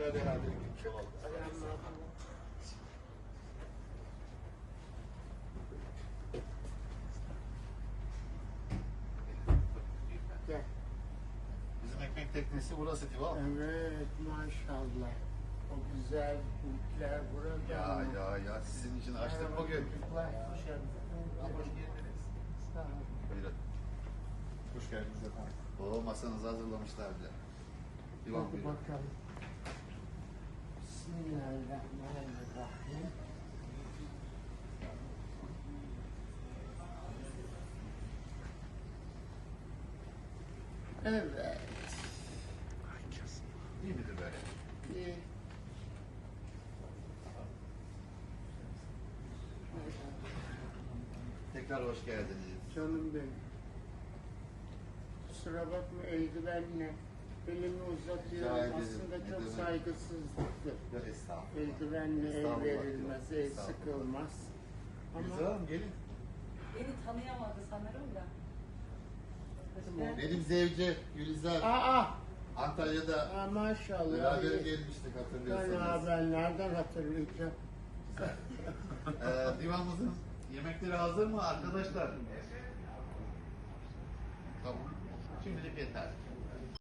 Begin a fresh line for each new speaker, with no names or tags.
beraber gitmiş olalım.
Gel.
Bizim ekmek teknesi burası değil mi?
Evet maşallah. O güzel kulüpler burada.
Ya sizin için açtık bugün.
Çocuklar hoş geldiniz. Sağ olun.
Buyurun.
Hoş geldiniz efendim.
O masanızı hazırlamışlar bile. Divan
Hadi
buyurun.
bakalım. Bismillahirrahmanirrahim. Evet.
İyi midir böyle?
İyi.
Tekrar hoş geldiniz.
Canım benim. Kusura bakma eldivenle elimi
Rica
uzatıyorum.
ederim.
Aslında
Ne
çok
demek?
saygısızlıktır.
Ya estağfurullah.
Eldivenle el
Estağfurullah
verilmez,
diyorum.
el
Estağfurullah.
sıkılmaz.
Güzel
Ama
Hanım gelin.
Beni tanıyamadı sanırım da. Ben
Benim Zevce Gülizar Antalya'da
maşallah.
beraber
iyi.
gelmiştik
Ben,
hatırlıyorsanız.
ben nereden hatırlayacağım?
Divanımızın yemekleri hazır mı arkadaşlar? Tamam. Şimdilik yeter.